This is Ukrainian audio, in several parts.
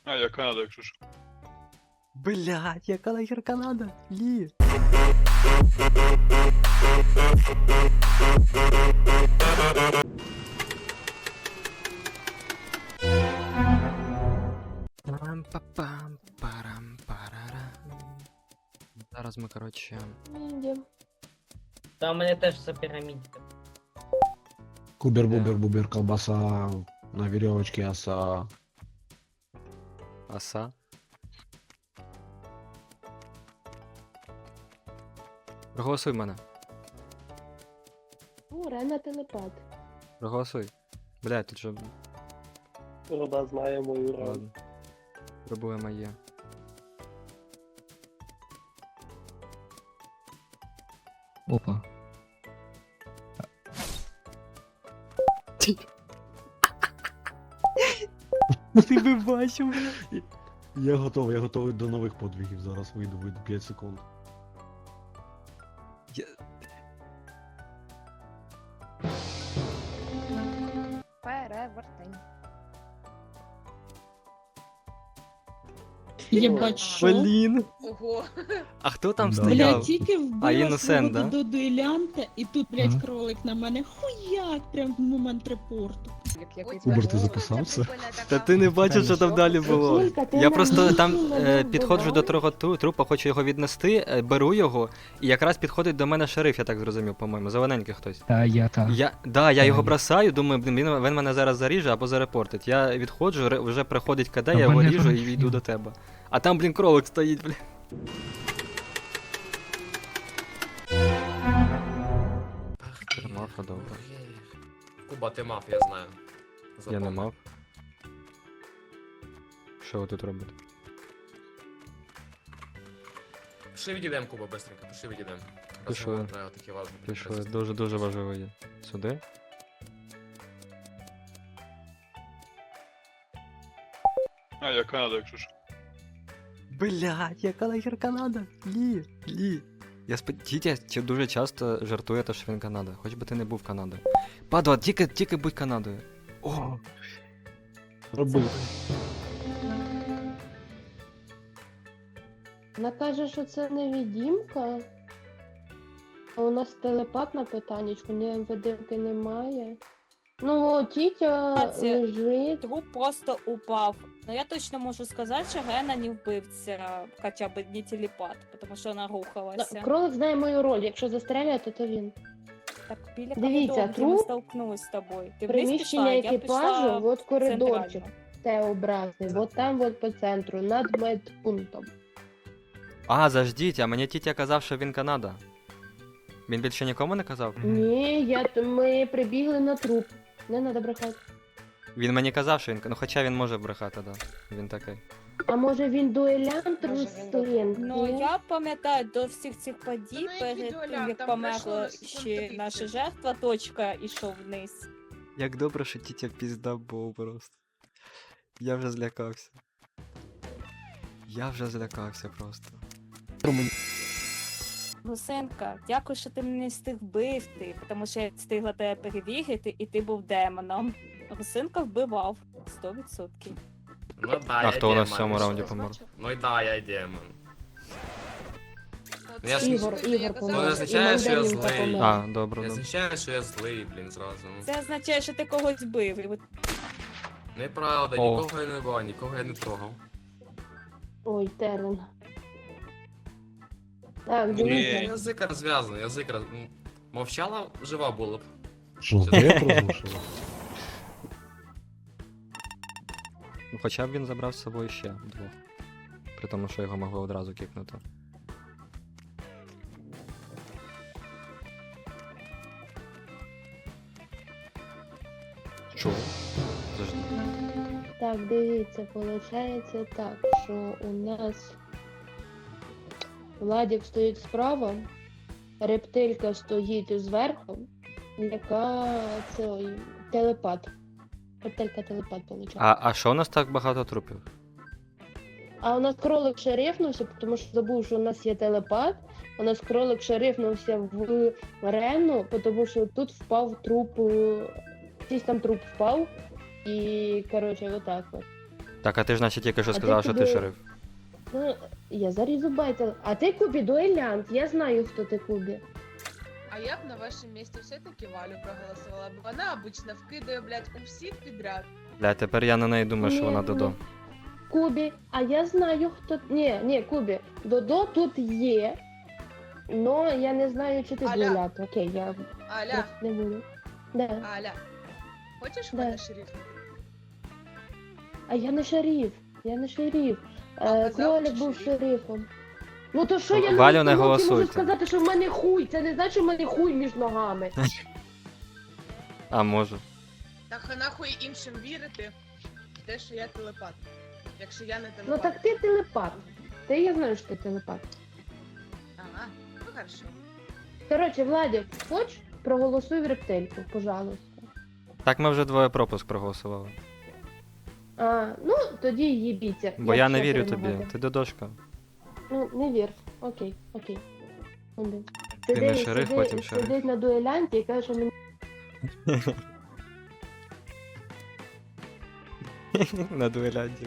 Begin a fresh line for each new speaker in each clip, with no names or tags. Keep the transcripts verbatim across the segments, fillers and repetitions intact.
А, я Канада, якщо що.
Блять, яка нахер Канада? Лі. Пам-па-пам, парам-парарам. Зараз ми, коротше.
Йдем.
Та у мене теж все пірамідка.
Кубер, бубер, бубер, колбаса на веревочке, оса.
Оса. Проголосуй мене.
О, Рена телепат.
Проголосуй. Блять, тут же.
Рода знає мою раду.
Ладно. Проблема є. Опа. Ти би бачив, бля.
Я готовий, я готовий до нових подвигів. Зараз вийду, вийду п'ять секунд.
Перевертень.
Єбать, що?
Блін.
Ого.
А хто там
Да.
стояв?
Блядь, тільки
А,
вбила
іносент,
свого
да?
до дуелянта, і тут, блядь,
Ага.
кролик на мене хуяк, прям в момент репорту.
Кубер, ти записався?
Та ти не бачив, що там далі було.
Жінка, ти
Я
на
просто
місці
там
мене
е, підходжу до
вбиваєш?
того тру- трупа, хочу його віднести, е, беру його, і якраз підходить до мене шериф, я так зрозумів, по-моєму, зелененький хтось.
Та я та.
Я, да, я його
Ай.
бросаю, думаю, блін, він, він мене зараз заріже або зарепортить. Я відходжу, ре- вже приходить КД,
Та
я його
мене
ріжу і
там
йду
всі.
до тебе. А там, блін, кролик стоїть, блін. Мафа, добре.
Куба, ти мав, я знаю.
Я не мав. Що ви тут робите?
Пішли відійдем, Куба, быстренько, пішли відійдем.
Пішли.
Розговор треба такі важливі.
Пішли, дуже-дуже важливо є. Сюди?
А, я Канада, якщо що.
Блять, яка нахер Канада? Лі, Лі. Я спод... Тітя чи дуже часто жартує, те, що він Канада. Хоч би ти не був Канадою. Падла, тільки, тільки будь Канадою. О,
Роби.
Вона каже, що це невідімка. А у нас телепат на питаннячку, ні видимки немає. Ну, о, тітя
Це-
лежить.
Труп просто упав. Но я точно можу сказати, що Гена не вбивця, хоча б не телепат, тому що вона рухалася.
Кролик знає мою роль, якщо застріляє, то він.
Так, біля
Дивіться,
коридору, де ми
труп,
столкнулись з тобою. Ти вниз
Приміщення
пішла, я
екіпажу,
пішла
от коридорчик,
центрально.
Т-образний, от там от по центру, над медпунктом.
а, заждіть, а мені тітя казав, що він Канада. Він більше нікому не казав?
Ні, я, т- ми прибігли на труп. Не треба брехати.
Він мені казав, що він. Ну хоча він може брехати, да. Він такий.
А може він дуелянт
Може, він
Руслин?
Ну,
Ні?
я пам'ятаю до всіх цих подій, Ну, перед який тим, дуеляр? як Там померла пройшло ще секунд наша тридцять. жертва, точка ішов вниз.
Як добре, що тітя пізда був просто. Я вже злякався. Я вже злякався просто.
Гусенка, дякую, що ти мене не встиг вбити, тому що я встигла тебе перевірити, і ти був демоном. Гусенка вбивав сто відсотків.
Ну да,
А
я
хто у нас в
демон.
цьому раунді помер?
Ну і да, я демон. Ну, я ж-
Ігор, Ігор
Ну,
помер.
не означає,
І
що я
Мандаринка
злий.
помер.
А, добре,
Не
добре.
означає, що я злий, блін, зразу. ну.
Це означає, що ти когось вбив. І от
Неправда,
О.
нікого я не бав, нікого я не трогав.
Ой, терен. Так,
Ну,
дивіться.
язик розв'язаний, язик роз... м, Мовчала, жива була б.
Що, здається, розрушили?
Ну, хоча б він забрав з собою ще двох. При тому, що його могли одразу кіпнути. Що? Завжди.
Так, дивіться, виходить так, що у нас Владик стоїть справа, рептилька стоїть зверху, яка це ой, телепат. Рептилька телепат виходить.
А, а що у нас так багато трупів?
А у нас кролик шерифнувся, тому що забув, що у нас є телепат. У нас кролик шерифнувся в Рену, тому що тут впав труп, е, якийсь там труп впав. І, коротше, отак от.
Так, а ти ж значить тільки що
А ти
сказав, що ти
куди?
шериф.
Ну, я зарізу байтел. А ти Кубі дуелянт, я знаю, хто ти Кубі.
А я б на вашем месте все-таки Валю проголосовала, бо вона обычно вкидає, блядь, у всіх підряд.
Бля, тепер я на неї думаю, що
Ні,
вона
ні.
Додо.
Кубі, а я знаю, хто. Ні, ні, Кубі, Додо тут є. Но я не знаю, чи ти
Аля.
дуелянт. Окей, я
Аля,
просто не буду. Да.
Аля, хочеш
Да.
мене шериф?
А я не шериф. Я не шериф.
А
Е,
казав,
Кролик
що
був
шериф.
шерифом. Ну то що я
Валю, не
на установці можу
голосуйте.
сказати, що в мене хуй. Це не значить, що в мене хуй між ногами.
А, можу.
Так а нахуй іншим вірити в те, що я телепат. Якщо я не
Ну
телепат.
так ти телепат. Ти я знаю, що ти телепат.
Ага, ну хорошо.
Коротше, Владик, хоч проголосуй в рептильку, пожалуйста.
Так ми вже двоє пропуск проголосували.
А, ну, тоді їбіться.
Бо я не
якщо
вірю тобі,
перемагати.
ти Додошка.
Ну, не вір. Окей, окей. Один.
Ти не
Сидить-
шериф,
сидить-
потім шериф.
Сидить на дуелянті і каже, що мені
На дуелянті.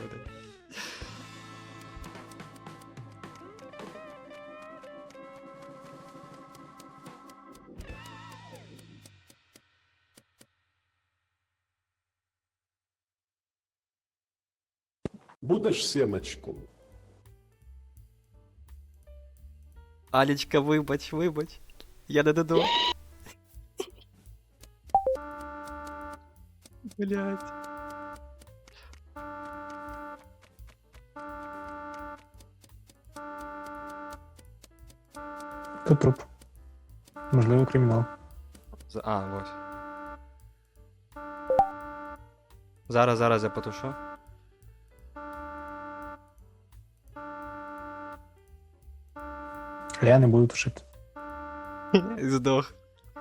Будеш сімечку?
Алічка, вибач, вибач. Я не Додо. Блять.
Тут труп. Можливо, кримінал.
За- А, ось. Зараз, зараз я потушу.
Я не буду тушити.
Здох.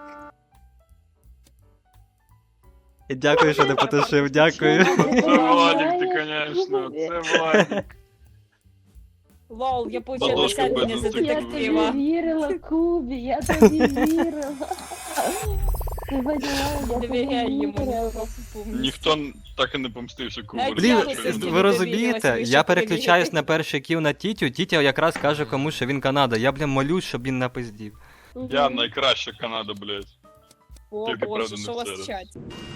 Дякую, що не потушив, дякую.
Це Владик, ти, конечно, це Владик.
Лол, я получила
Ладошка
досягнення за
без
Я
детектива.
тобі вірила, Кубі, я тобі вірила. Ти поняла, я тобі
Довіряй йому.
вірила.
Ніхто так і не помстився Кубарю.
Блін,
Блін,
я
Чесно.
сусідів
ви
довірилась,
розумієте,
ви
я
що
переключаюсь
перевірите?
на перший кіл на Тітю, Тітя якраз каже комусь, що він Канада. Я, блін, молюсь, щоб він напиздів.
Я найкраща Канада, блядь.
О
Тільки,
боже,
правда, не
що у вас
всеред.
в чаті?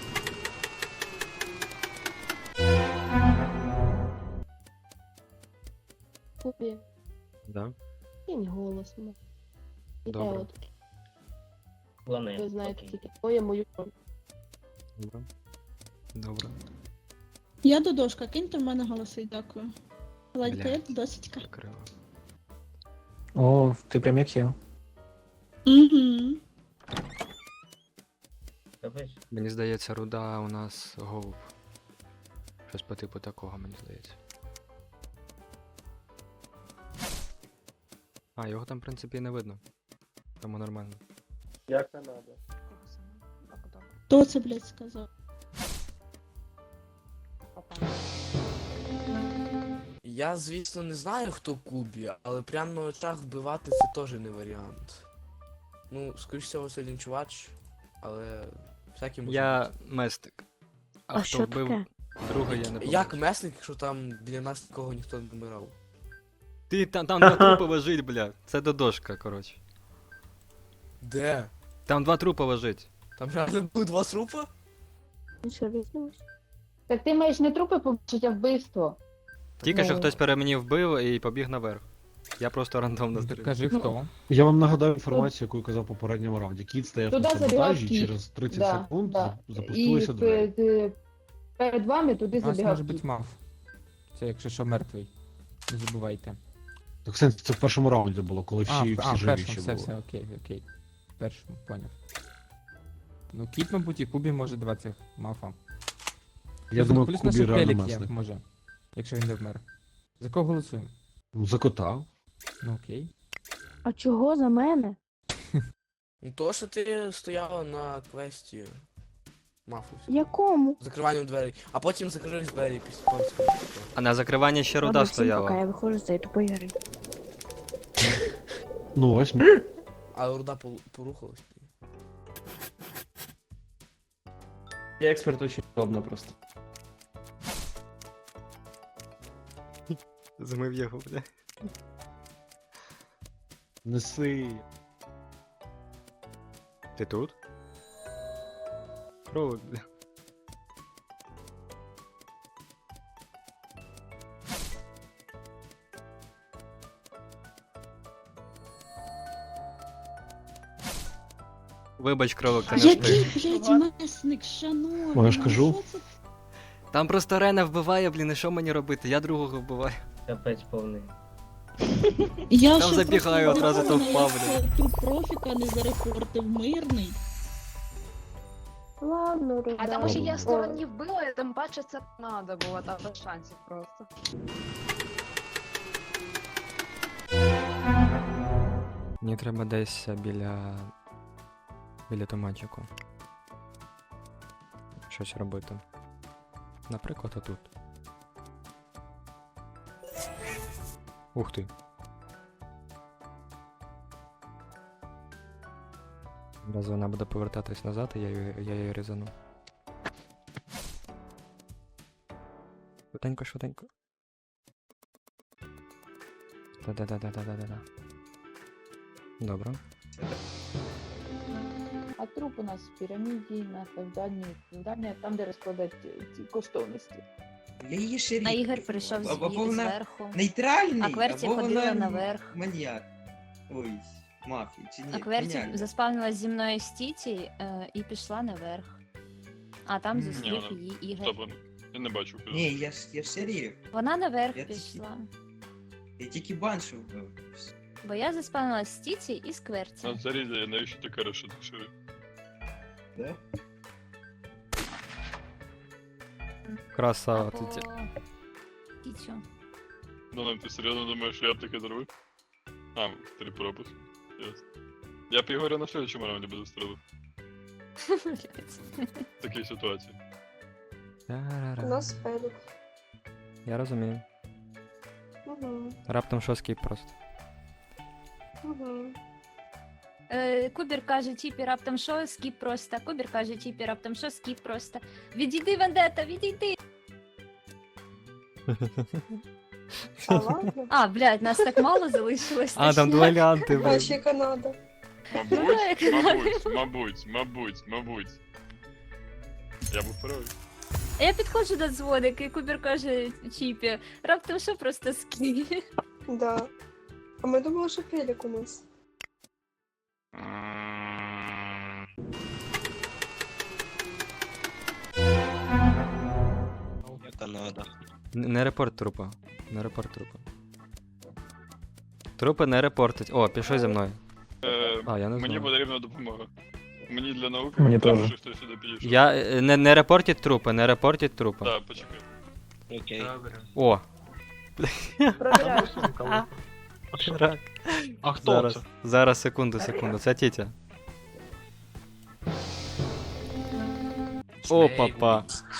Кубі,
Да?
кинь голосно.
Добре.
Я от,
Плани.
ви знаєте,
Окей.
тільки твоє мою роль.
Добре. Добре.
Я Додошка, киньте в мене голоси, дякую. Владька, я
Блядь.
Додосічка.
Закрила.
О, ти прям як я.
Угу.
Капець.
Мені здається, руда у нас голуб. Щось по типу такого, мені здається. А, його там, в принципі, і не видно. Тому нормально.
Я Канада.
Хто це, блядь, сказав?
Я, звісно, не знаю, хто Кубі, але прямо на очах вбивати це теж не варіант. Ну, скоріш всього, це лінчувач, але всякий може
Я
бути.
местик. А,
А
хто
що
вбив
таке?
друга, я не пам'ятаю.
Як месник, якщо там біля нас нікого ніхто не вмирав?
Ти там, там два трупи лежить, бля. Це Додошка, коротше.
Де?
Там два трупи лежить.
Там реально були два трупа?
Ну що, візьмеш? Так ти маєш не трупи побачити, а вбивство.
Тільки що
Ну.
хтось пере мені вбив і побіг наверх. Я просто рандомно стріляв.
Кажи хто. Я вам нагадаю інформацію, яку я казав в попередньому раунді. Кіт стояв
Туди
на
забігав
саботажі,
кіт.
через тридцять
Да,
секунд
да.
запустилися
І
двері.
пе- пе- перед вами туди забігав кіт.
мав. Це якщо що мертвий. Не забувайте.
Так в сенсі, це в першому раунді було, коли всі,
А,
всі
а
живі
першому,
ще
все,
були.
все, окей, окей. Першому, поняв. Ну, кіт, мабуть, і Кубі може два цих мафа.
Я
Плюс-
думаю,
плюс
Кубі
наш
реально
Пелік є,
месник.
може. Якщо він не вмер. За кого голосуємо?
Ну, за кота.
Ну окей.
А чого за мене?
Ну то, що ти стояла на квесті мафу.
Якому?
Закриванням дверей. А потім закрились двері після польського.
А на закриванні ще руда стояла.
я виходжу з цієї тупої гри.
Ну ось.
А руда пол- порухалась.
Я експерт очень удобно просто.
Змив його, бля.
Неси.
Ти тут? Кролик, бля. Вибач, кролик, ти не
Який,
встиг.
блядь, месник, шановний.
Ну, я ж
ну
кажу.
що це?
Там просто Рена вбиває, блін, і що мені робити? Я другого вбиваю.
Капець повний.
Я
Там
ще
забігаю,
просто
одразу то
здивована,
впав,
як Труп профіка не зарепортив мирний.
Ладно, ребята.
А тому що я
Стороні вбила, і тим паче це надо було, там без шансів просто.
Мені треба десь біля. біля томатчику. Щось робити. Наприклад, отут. Ух ти. Раз вона буде повертатись назад, і я її, я її різану. Швиденько, швиденько. Да-да-да-да-да-да-да. Добре.
А труп у нас в піраміді, на південній, південній, там, де розкладають ці коштовності.
Я її шериф.
А Ігор прийшов
Або- або
звідти
вона
зверху.
Нейтральний,
А Кверті
або
ходила
вона
наверх.
Маніяк. Ой, мафії, чи ні?
А Кверті
Геніально.
заспавнилась зі мною з Тіті е, і пішла наверх. А там
Ні,
зустрів
вона-
її Ігор.
Стоп, я не бачу. куди.
Ні, я ж я ж шериф.
Вона наверх
Я
пішла.
Я тільки баншу вбив.
Бо я заспавнилась з Тіті і з Кверті.
На зарізі, я навіщо ти кажеш, що ти шериф?
Да?
Красава,
Або
тітя.
Тітю.
Ну, ти серйозно думаєш, що я б таке зробив? А, три пропуск. Ясно. Я б Ігоря на слідчому раунді би застрелив. В такій ситуації.
Та-ра-ра.
спереду.
Я розумію.
Угу.
Раптом що скіп просто.
Угу.
Е, Кубір каже, Тіпі раптом що, скіп просто. Кубір каже, Тіпі раптом що, скіп просто. Відійди, Вендета, відійди!
А ладно.
А, блядь, нас так мало залишилось.
А, там дуелянти, блін.
Канада.
Мабуть, мабуть, мабуть, мабуть, мабуть. Я був правий.
А я підходжу до дзвоника, і Кубір каже Чіпі, раптом що просто скіп.
Да. А ми думали, що Фелік у нас.
Н- Не репорт трупа. Не репорт трупа. Трупи не репортить. О, пішов зі мною.
Е,
А, я не
Мені
знаю.
потрібна допомога. Мені для науки
Мені
треба,
теж.
щоб хтось сюди підійшов.
Я е, не, не репортіть трупи, не репортіть трупи.
Так, почекай.
О,
Провіряю.
рак.
А хто
Зараз,
це?
зараз, секунду, секунду. Це тітя. О, папа.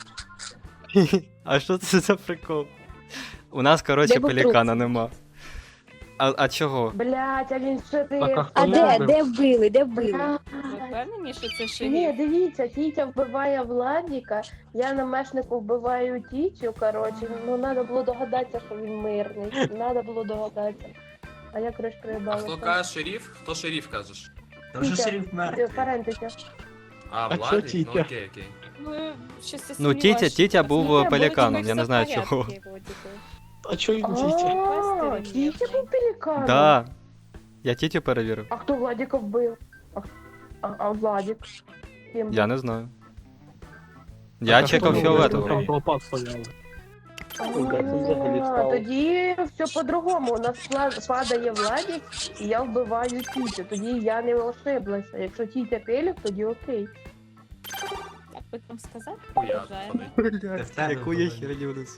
А що це за прикол? У нас, коротше,
Де був
пелікана нема. А, а чого?
Блять, а він що ти?
Так, а хто
А
його вбив?
де вбили? Де вбили?
Ви впевнені, що це
Ні,
шериф?
дивіться, Тітя вбиває Владіка, я на мешнику вбиваю Тітю, коротше, ну треба було догадатися, що він мирний. Треба було догадатися. А я коротше проїбалася.
шериф? Хто шериф кажеш?
Та вже
Тітя.
шериф мертвий.
Парентиця.
А,
А чо Тітя?
Ну окей, окей.
Ну, щось я
Ну, Тітя,
сумніваюся,
Тітя
що
був
це.
пеліканом,
Вроді
я не
все
знаю
в порядку,
чого.
вроді би.
А чого він тітя?
А, Тітя був пеліканом?
Да. Я тітю перевірив.
А хто Владіка вбив? А, а, а Владік? Ким
Я
був?
не знаю. Я чекав
Там
фіолетового.
лопат стояли.
А, тоді все по-другому. У нас пла- падає Владік, і я вбиваю Тітю. Тоді я не ошиблася. Якщо Тітя пелік, тоді окей.
Як би там сказати?
Хуя,
Вважаємо.
Блядь,
тебе
яку я
голові.
херню несу.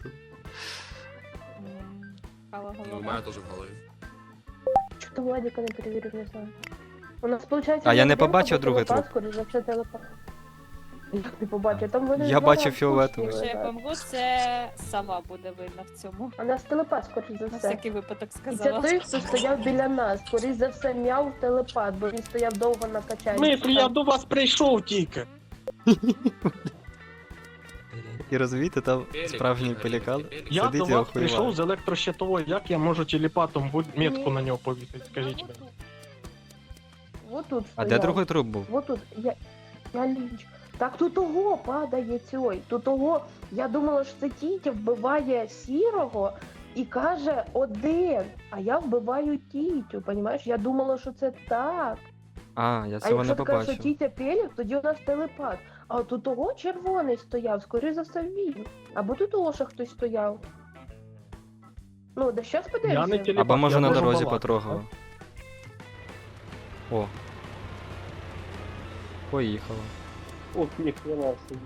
М, Кава
Ну, у
голова.
мене теж в голові.
Чого ти Владіка не перевірив, не знаю. У нас, виходить,
А я не
один
побачив
або
другий
телепат,
труп.
скоріш за все, телепат. Як не побачив? Там вони
Я
два
бачив
рази
фіолетовий.
кучні
Якщо я
лежать.
помру, це сова буде видно в цьому.
А нас телепат, скоріш за
На
все.
всякий випадок
І це
сказала.
той, хто стояв біля нас. Скоріш за все, м'яв телепат, бо він стояв довго на качанні.
Мислі, я до вас прийшов тільки.
І розумієте, там справжній пелікан
Я
сидить
до
і
вас прийшов
охуєває.
з електрощитової, як я можу телепатом будь- метку на нього повісити, скажіть мені.
Вот тут
А де
стояв.
другий труп був?
Вот тут, я, я ліч. Так тут того падає цей, тут того, я думала, що це Тітя вбиває сірого і каже один, а я вбиваю Тітю, понімаєш? Я думала, що це так.
А, я
А
цього
якщо
не
ти кажеш, що
побачив.
Тітя Пелік, тоді у нас телепат. А тут того червоний стояв, скоріше за все він. Або тут того ще хтось стояв. Ну, да щас подивимося.
Я не телепат.
Або може
я
на
можу
дорозі
балакати.
потрогав. О. Поїхало.
Ох, ніхрена собі.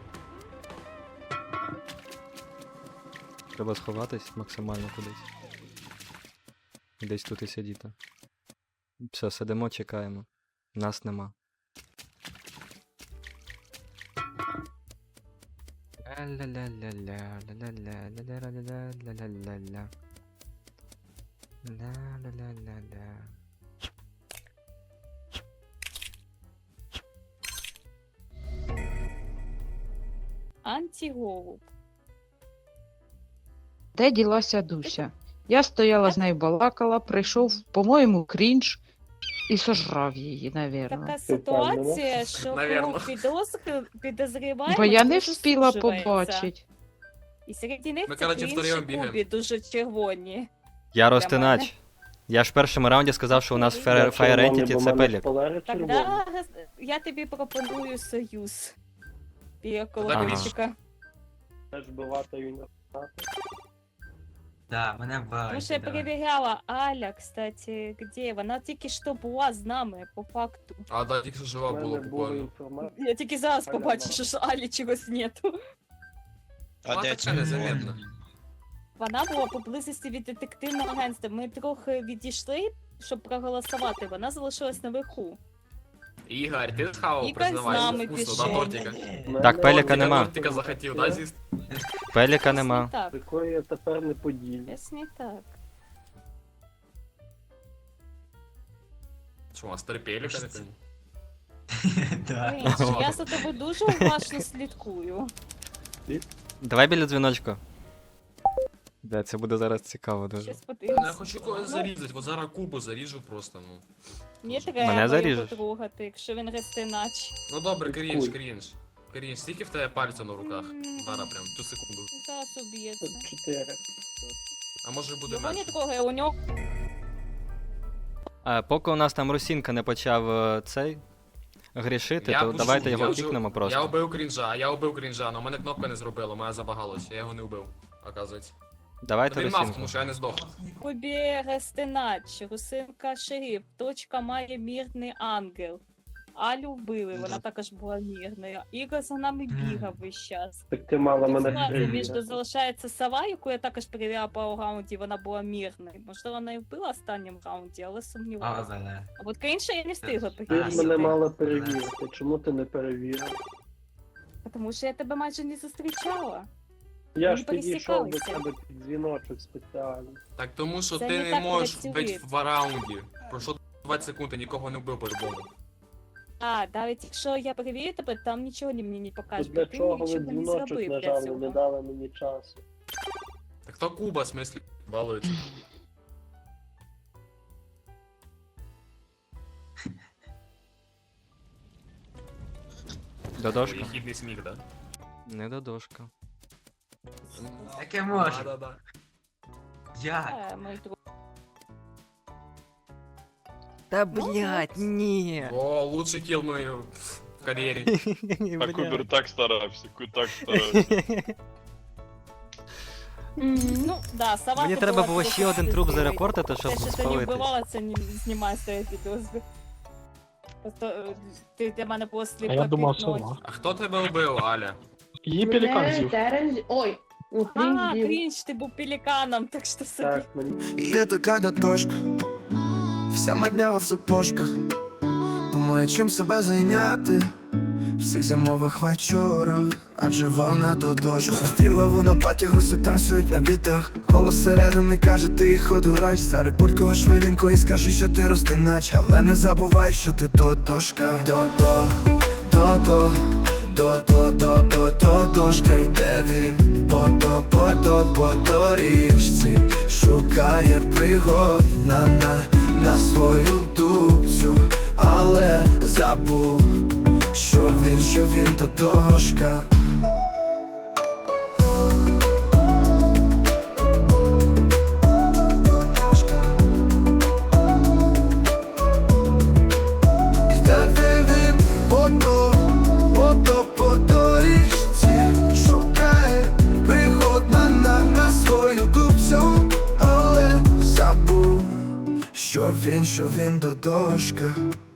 Треба сховатись максимально кудись. Десь тут і сидіти. Все, сидимо, чекаємо. Нас нема. Ля-ля-ля-ля-ля, ля-ля-ля, ля-ля-ля-ля-ля-ля-ля. Ля-ля-ля-ля-ля.
Антиголуб.
Де ділася Дуся? Я стояла з нею балакала, прийшов, по-моєму, крінж і сожрав її, навірно.
Така ситуація, що
Навірно.
круг підозр... підозріваємо
Бо я не
дуже
встигла
сужується.
побачити.
І серед них
Ми,
це
коротше,
Крінж
втроєм
і
бігаємо.
Кубі дуже червоні.
Я
мене.
розтинач. Я ж в першому раунді сказав, що у нас Fire Fire Entity це пелік.
Тогда я тобі пропоную союз. Біля колокольчика.
Теж вбивати
Да, мене бачить.
Тому що я перевіряла Аля, кстати, де? Вона тільки що була з нами, по факту.
А, да, тільки що жива була буквально.
Я тільки зараз побачив, що ж Алі чогось нету.
Вона така незамітна.
Вона була поблизості від детективного агентства. Ми трохи відійшли, щоб проголосувати. Вона залишилась наверху.
Ігор, ти схавав,
Ігор з нами
признавайся, вкусно, да,
пішов.
тортика?
Так, пеліка
Тортика,
нема.
Тортика захотів, да, з'їсти?
Пеліка нема.
Так,
Такої я тепер не поділю.
ясно не так.
Що, у вас три пеліка, не пойму?
Крінж, я за тобою дуже уважно слідкую.
Давай біля дзвіночка. Да, це буде зараз цікаво дуже.
Щас
Я
подивимось.
хочу когось зарізати, бо зараз Кубу заріжу просто, ну.
Мені треба
Мене
його
заріжеш?
потрогати, якщо він рестинач.
Ну добре, крінж, крінж. Крінж, скільки в тебе пальця на руках? Зараз прям, цю секунду.
Зараз уб'ється.
Чотири.
А може буде
Його не
менше?
трогай, у нього
А, поки у нас там Русінка не почав е, цей грішити, то
вжу,
давайте
я
його
вжу.
кікнемо
Я
просто.
убив крінжа, я убив крінжа, але у мене кнопка не зробила, моя забагалась, я його не убив, оказується.
Давайте
Він мав,
Русінку.
тому що я не здох.
Кубі рестинач, Русинка шериф, точка має мірний ангел. Алю вбили, вона також була мірною. Ігор за нами бігав весь час.
Так ти мала
Тут
мене
складно, між
перевірити.
залишається сова, яку я також перевіряла по раунді, вона була мірною. Можливо, вона і вбила в останньому раунді, але сумніваюся. А от інше я не встигла
Ти ж
перевірити.
мене мала перевірити. Чому ти не перевірив?
Тому що я тебе майже не зустрічала.
Я
Ми
ж підійшов до
пересікалися.
тебе під дзвіночок спеціально.
Так тому що
Це
ти
не
не
так
можеш
працює.
вбити в раунді. Пройшло двадцять секунд, я нікого не вбив по-любому.
А, навіть якщо я перевірю тебе, там нічого мені не
То
покаже,
для
бо ти
чого ви
нічого не
дзвіночок
зробив для
нажали,
цього.
не дали мені часу?
Так то Куба, в смислі, балується.
Додошка?
Єхідний сміх, да?
Не додошка.
Таке може.
Да, да, да.
Як?
Е, мій друг.
Та
блядь,
ні.
О, лучший кіл мій в кар'єрі.
А Кубер так старався, Ку так старався.
Ну, да, сова
Мені
то
треба
була
було
трохи
ще один труп
стидливий.
зарепортити, щоб
Те, що ти не
спалитись.
вбивала, це не знімає з тебе підозри. Просто е, ти для мене було сліпо
А я думав,
пітно.
сова.
А хто тебе вбив, Аля?
Її пелікан з'їв.
Терен... Ой, ну,
А,
Крінж з'їв.
Крінж, ти був пеліканом, так що собі.
Так, мені.
И это когда дошка, вся модня в сапожках. Думаю, чим себе зайняти в цих зимових вечорах, адже вона до дошка. Стріла вона паті, гуси танцюють на бітах. Голос середини каже, ти їх одурач. Зараз пулькова швиденько і скажи, що ти розтинач. Але не забувай, що ти то дошка. То-то, то-то, то, то, то, то, то, дошка йде він, по, то, по, то, по доріжці, шукає пригод на, на, на свою дубцю, але забув, що він, що він то дошка. Йде він, ото, ото по доріжці, шукає пригод на, на, на свою дубцю, але забув, що він, що він то дошка.